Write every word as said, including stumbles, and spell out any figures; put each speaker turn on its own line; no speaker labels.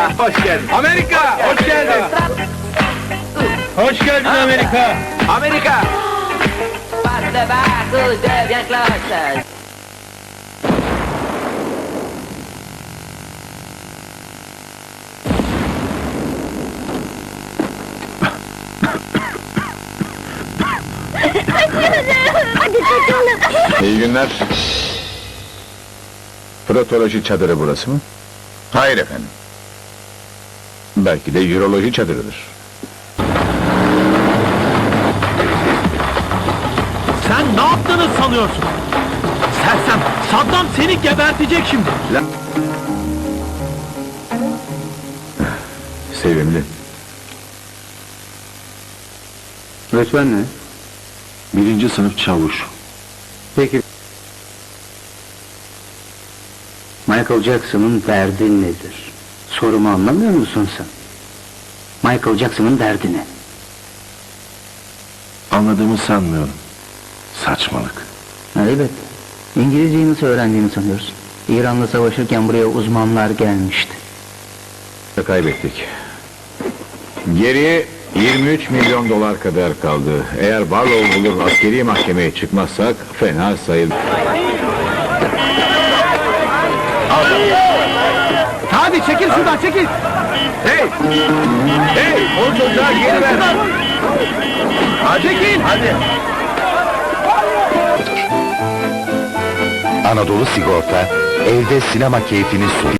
Amerika, hoş geldin. Amerika, hoş geldin. Hoş geldin Amerika. Amerika.
Passe de barco, devient cloche.
Hadi kaçalım.
İyi günler. Protoloji çadırı burası mı?
Hayır efendim.
Belki de Euroloji çadırıdır.
Sen ne yaptığını sanıyorsun? Sersem, Saddam seni gebertecek şimdi.
Sevimli.
Öğretmen ne?
Birinci sınıf çavuş.
Peki. Michael Jackson'ın derdi nedir? Sorumu anlamıyor musun sen? Michael Jackson'ın derdi ne?
Anladığımı sanmıyorum. Saçmalık.
Evet. İngilizceyi nasıl öğrendiğini sanıyorsun? İran'la savaşırken buraya uzmanlar gelmişti.
Kaybettik. Geriye yirmi üç milyon dolar kadar kaldı. Eğer Barlow bulur askeri mahkemeye çıkmazsak fena sayılır.
Hadi çekil şuradan, çekil!
Hey! Hey! O çocuğa geri ver! Hadi, çekil! Hadi!
Anadolu Sigorta, evde sinema keyfini sunuyor.